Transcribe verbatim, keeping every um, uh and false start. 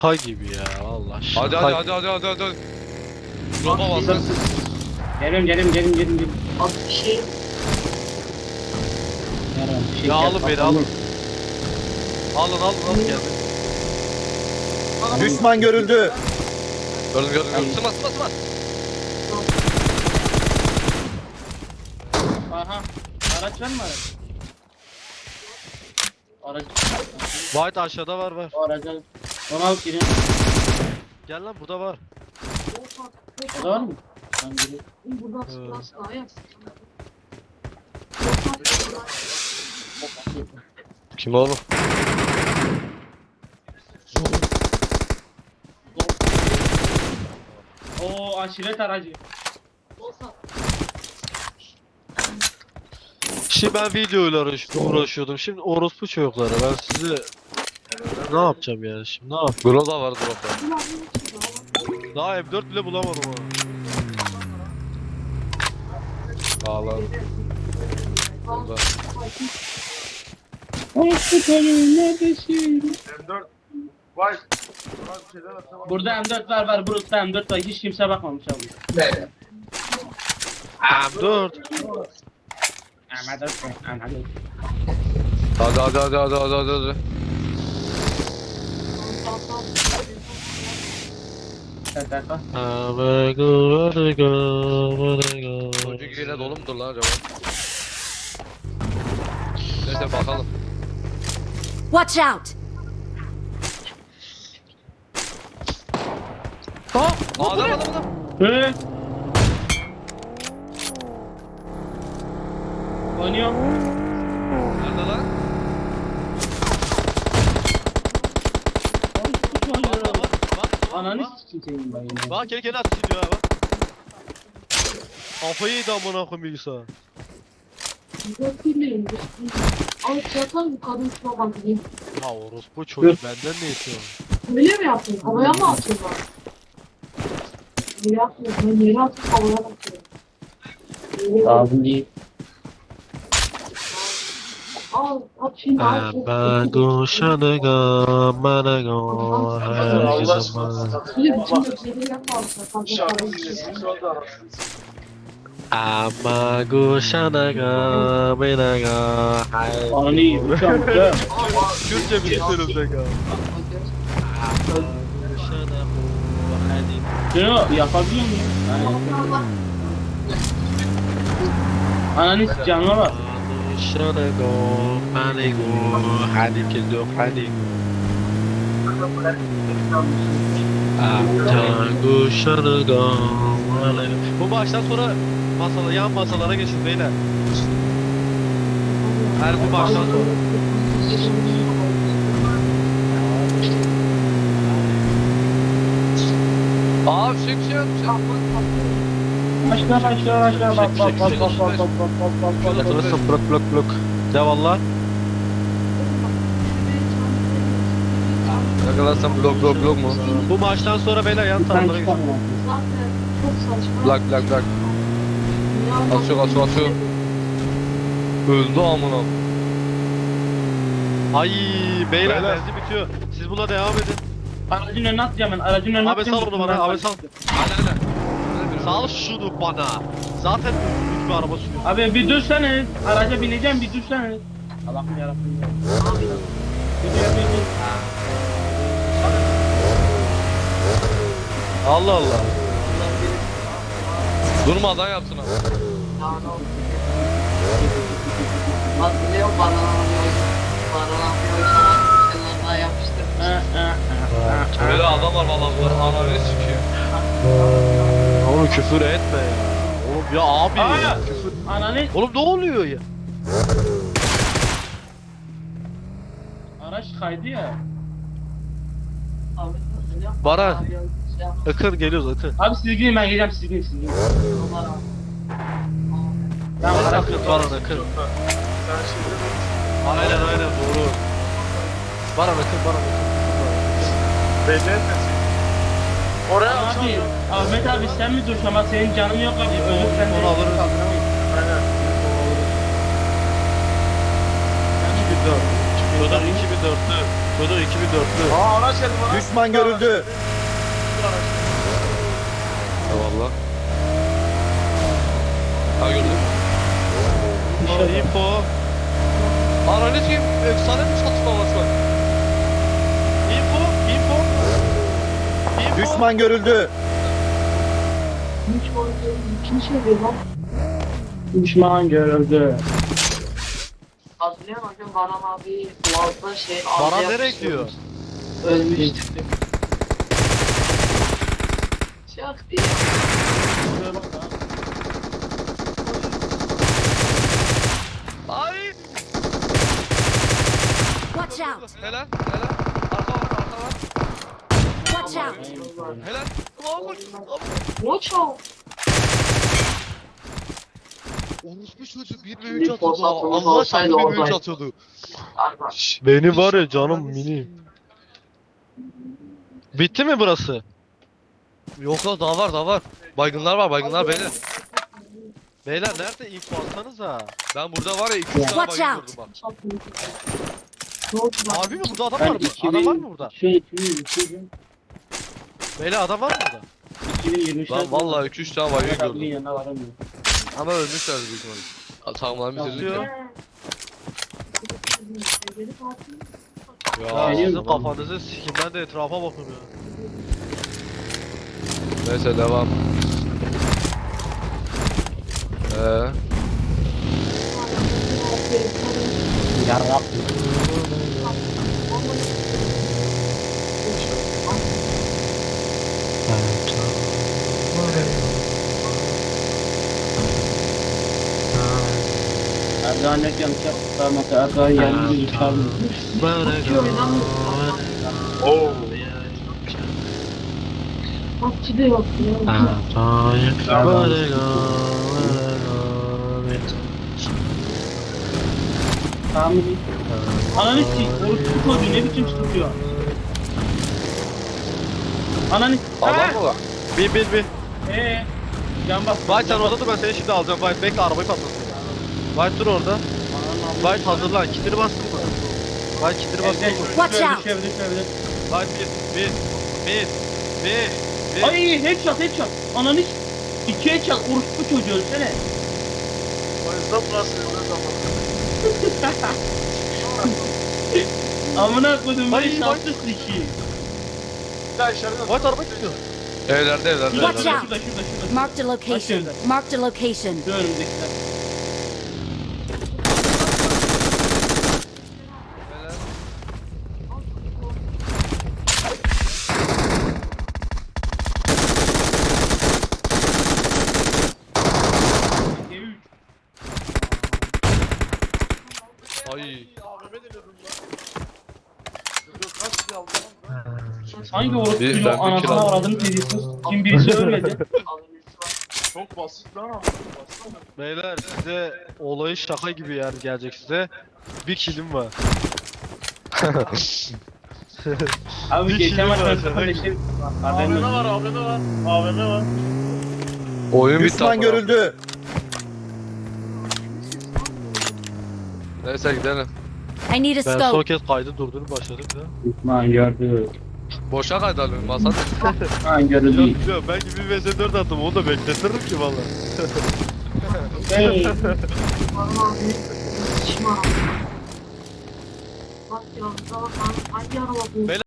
Ha gibi ya Allah aşkına. Hadi hadi hadi hadi hadi hadi. hadi. Roba basın. Geliyorum geliyorum geliyorum geliyorum. Abi bir şey Yarın bir şey Ya gel, alın beni, bakalım. alın. Alın alın alın geldi. Düşman görüldü. Gördüm gördüm gördüm. Sıma sıma sıma. Aha. Araç var mı araç? Araç. White aşağıda var var. O araca. Onu alıp girin. Gel lan burada var. O da var mı? Ben gireyim. buradan Ee. sıkılan sıkılan ya. Kim oğlum? Oo aşiret aracı. Şimdi ben videoyla uğraş- uğraşıyordum. Şimdi orospu çocukları ben size ne yapacağım yani şimdi ne yap? Groza var dropta. Daha M dört bile bulamadım ha. Ağlar. Burada. Hospital'in neredesin? M dört. Vay. Buna bir şeyler atamam. Burada M dört var var. Burada M dört var. Hiç kimse bakmamış abi. M dört. M dört var. M dört. Hadi hadi hadi hadi hadi hadi hadi. Tak tak tak. Have go, wanna go, wanna go. Çocuk yine dolu mudur lan acaba? Neyse bakalım. Watch out! Aa, adam adam adam. Hı? Oynuyor. Nerede lan? Bak bak bak. Bak. Ananı Bak. sikeyim senin ben yine. Bak kendi kendine atış ediyor ha bak. Kafayı yedi amına koyayım bilgisayar. Dökülmeyin. Alıp yatalım kadın şuna bakayım. Ya orospu çocuk benden ne istiyor? Öyle mi yaptın? Havaya mı atıyorlar? Yere atmıyor. Ben yere atıp havaya atıyorum. Yere- Lazım değil. Al at şimdi al. Have go, wanna go, wanna go, have zaman. Bir de bütün gökleri yapmazsa. Fazla para istiyor. Ama go, wanna go, wanna go, have. Ananı yiyeyim. Uçağım uçağım. Kürtçe bir istiyorum sen ya. Şunu yapabiliyor muyum? Ananı s- canıma bak. Wanna go, wanna go, hadi kez yok hadi. Tango wanna go, wanna go. Bu maçtan sonra masala, yan masalara geçin beyler. Her bu maçtan sonra. Aa fişek fişek atmış. Başla başla başla bak bak bak bak bak bak bak bak bak bak. Atılırsın blok blok blok. De valla. Ne kadar sen blok blok blok mu? Bu maçtan sonra beyler yan Ben taraflara geçin. çıkamam. Zaten çok saçma. Blak blak blak. Atıyor atıyor atıyor. Öldü amına. Ay beyler Beyler. benzin bitiyor. Siz buna devam edin. Aracın önüne atacağım ben. Aracın önüne Abi atacağım. sal onu bana, abi sal. Hadi hadi. Sal şunu bana. Zaten büyük bir araba sürüyor. Abi bir dursana. Araca bineceğim bir dursana. Allah'ım yarabbim. Bir dur bir dur. Allah Allah. Durmadan yapsın abi. Hatırlıyor bana bana bana yapıştır. Ha, ha, ha, ha. Böyle adam var valla bunlar ananı sikiyor. Oğlum küfür etme ya. Oğlum ya abi. Aa! Küfür. Ananı Oğlum ne oluyor ya? araç kaydı ya. Baran. Akın geliyoruz Akın. Abi siz gidin ben geleceğim siz gidin siz gidin. Ben araç Akın Baran Akın. Sen şimdi Aynen aynen doğru. Baran Akın Baran Akın. belli etmesin. Oraya Abi açamıyorum. Ahmet abi sen mi dursun ama senin canın yok abi. Ölür sen de. Onu alırız. Aynen. iki bin dört. iki bin dört. iki bin dörtlü. Bunu iki bin dörtlü. Aa araç geldi bana. Düşman görüldü. Eyvallah. Ha gördüm. Aa, info. Ananı sikeyim. Efsane bir çatışma var şu an. Info. Info. Info. Düşman görüldü. Hiç boyunca kim söylüyor lan? Düşman görüldü. Hatırlıyor musun? Bugün Baran abi Boğaz'da şey... Baran ağzı nereye yapmıştı. gidiyor? Ölmüştü. Çok iyi. Ay. Watch out! Helal. Helal. Arka var. Arka var. Watch out! Helal. Ulan koş. Watch out. Orospu çocuğu bir ve Bir üç atıyordu. fırsatımız Allah olsaydı çarpı bir ve üç oradaydı. atıyordu. Arba. Şş, beni var ya canım mini. Bitti mi burası? Yok yok daha var daha var. Baygınlar var baygınlar beyler. Beyler nerede info atsanıza? Ben burada var ya iki üç tane Watch baygın out. gördüm bak. Ne oldu lan? Harbi mi? Burada adam Ben var mı? iki Adam var bin... mı burada? Şey iki bin iki bin. Beyler adam var mı burada? iki bin yirmi üç. Lan vallahi iki üç tane baygın Abinin gördüm. yanına varamıyorum. Ama ölmüşler büyük ihtimalle. Tamam bitirdik Atıyor. ya. Ya Ya sizin Benim- kafanızı sikin, ben de etrafa bakıyorum ya. neyse devam. Eee Yarabbim. Erdoğan ne yanlış yaptı? Mesela Erdoğan yerli bir çıkardı. Oo. Bakçı da yok ya. Tamam mı? Ananı s***. Orospu çocuğu ne biçim tutuyor? Ananı s***. adam mı var? Bin bin bin. Eee? Can bas. Vay sen orada dur, ben seni şimdi alacağım. Vay bekle, arabayı patlasın. Vay dur orada. Vay hazırlan, kitini bastın mı? Vay kitini bastın mı? Watch out. Düşebilir düşebilir. Vay bir bir bir bir bir. Ay headshot headshot. Ananı s***. İki headshot orospu çocuğu ölsene. O yüzden burası ne zaman? Amına koydum Ay, böyle şanslı siki. Bir daha işaret Vay araba gidiyor. Evlerde evlerde Şurada Watch evlerde. out. şurada şurada şurada. Marked a location. Marked a location. Şu önümdekiler. Ay. Hangi orospu Bir- çocuğu ben bir kill anasını aldım. avradını seviyorsunuz? Kim birisi ölmedi. Çok basit lan ama. Beyler size olayı şaka gibi yani gelecek size. Bir kilim var. Abi Bir geçen kilim maç var. ben sıfır beşe A V M var, A V M var. A V M var. Oyun bitti. Düşman amına. görüldü. Neyse gidelim. I need a Ben son scope. kez kaydı durdurup başladım ya. Düşman gördü. Boşa kaydalım masada. Düşman gördü. Yok yok, belki bir vs dört attım, onu da bekletirim ki valla. Hey. Baran abi. Şişman. Bak ya. Hangi araba bu?